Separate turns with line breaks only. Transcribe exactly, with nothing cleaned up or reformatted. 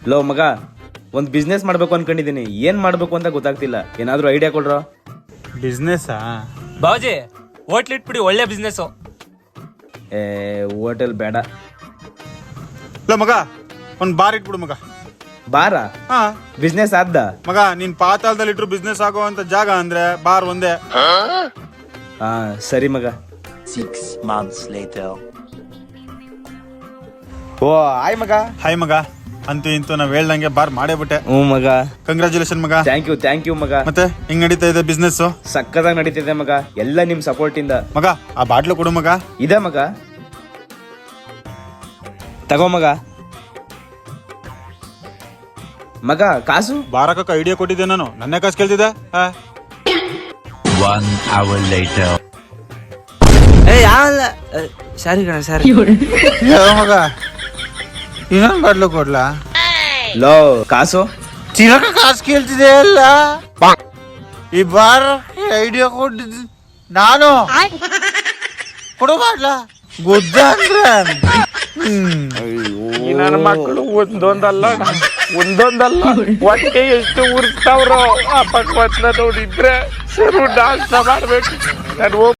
Low ಮಗ, ಒಂದ್ business ಮಾಡ್ಬೇಕು ಅನ್ಕೊಂಡಿದೀನಿ, ಏನ್ ಮಾಡ್ಬೇಕು ಅಂತ ಗೊತ್ತಾಗ್ತಿಲ್ಲ. ಏನಾದ್ರೂ ಐಡಿಯಾ ಕೊಡ್ರೋ.
ಬಿಸ್ನೆಸ್
ಬಾವುಜಿ ಹೋಟ್ಲ್ ಇಟ್ಬಿಡಿ, ಒಳ್ಳೆ ಬಿಸ್ನೆಸ್.
ಏ ಹೋಟೆಲ್ ಬೇಡ.
ಇಲ್ಲ ಮಗ, ಒಂದ್ ಬಾರ್ ಇಟ್ಬಿಡು ಮಗ.
ಬಾರ
ಹಾ
ಬಿಸ್ನೆಸ್ ಆದ್ದ
ಮಗ, ನೀನ್ ಪಾತಾಳದಲ್ಲಿ ಇಟ್ರು ಬಿಸ್ನೆಸ್ ಆಗುವಂತ ಜಾಗ ಅಂದ್ರೆ ಬಾರ್ ಒಂದೇ.
ಹಾ ಸರಿ ಮಗ.
Six months later.
ಓ ಆಯ್ ಮಗ.
ಹಾಯ್ ಮಗ, ಅಂತೂ ಇಂತೂ ನಾವ್ ಹೇಳ್ದಂಗೆ ಬಾರ್ ಮಾಡೇ ಬಿಟ್ಟೆ.
ಹ್ಞೂ ಮಗ.
ಕಂಗ್ರಾಚುಲೇಷನ್ ಮಗ.
ಥ್ಯಾಂಕ್ ಯು ಥ್ಯಾಂಕ್ ಯು ಮಗ.
ಮತ್ತೆ ಹೆಂಗ್ ನಡೀತಾ ಇದೆ ಬಿಸ್ನೆಸ್?
ಸಕ್ಕದಾಗಿ ನಡೀತಿದೆ ಮಗ, ಎಲ್ಲ ನಿಮ್ ಸಪೋರ್ಟ್ ಇಂದ.
ಮಗ ಆ ಬಾಟ್ಲು ಕೊಡು ಮಗ.
ಇದೆ ಮಗ, ತಗೋ ಮಗ. ಮಗ ಕಾಸು?
ಬಾರಕ್ಕ ಐಡಿಯಾ ಕೊಟ್ಟಿದ್ದೆ ನಾನು, ನನ್ನೇ ಕಾಸು ಕೇಳ್ತಿದ್ದೆ.
One hour later.
ಏ ಯಾವಲ್ಲ, ಸಾರಿ ಕಣ ಸಾರಿ.
ಮಗ ಇನ್ನೊಂದು ಬಾಟ್ಲು ಕೊಡ್ಲಾ?
ಲೋ ಕಾಸು?
ಚಿರಕ ಕಾಸು ಕೇಳ್ತಿದೆ ಅಲ್ಲ. ಈ ಬಾರ್ ಐಡಿಯಾ ಕೊಟ್ಟಿದ್ದು ನಾನು. ಕೊಡು ಬಾಟ್ಲಾ. ಗುದ್ದ ಅಂದ್ರೆ
ನನ್ನ ಮಕ್ಕಳು ಒಂದೊಂದಲ್ಲ ಒಂದೊಂದಲ್ಲ ಹೊಟ್ಟೆ ಎಷ್ಟು ಉರ್ಸ್ತಾವ್ರೋ. ಆ ಪಕ್ವತ್ನ ನೋಡಿದ್ರೆ ಸರು ನಾಶ ಮಾಡ್ಬೇಕು. ನಾನು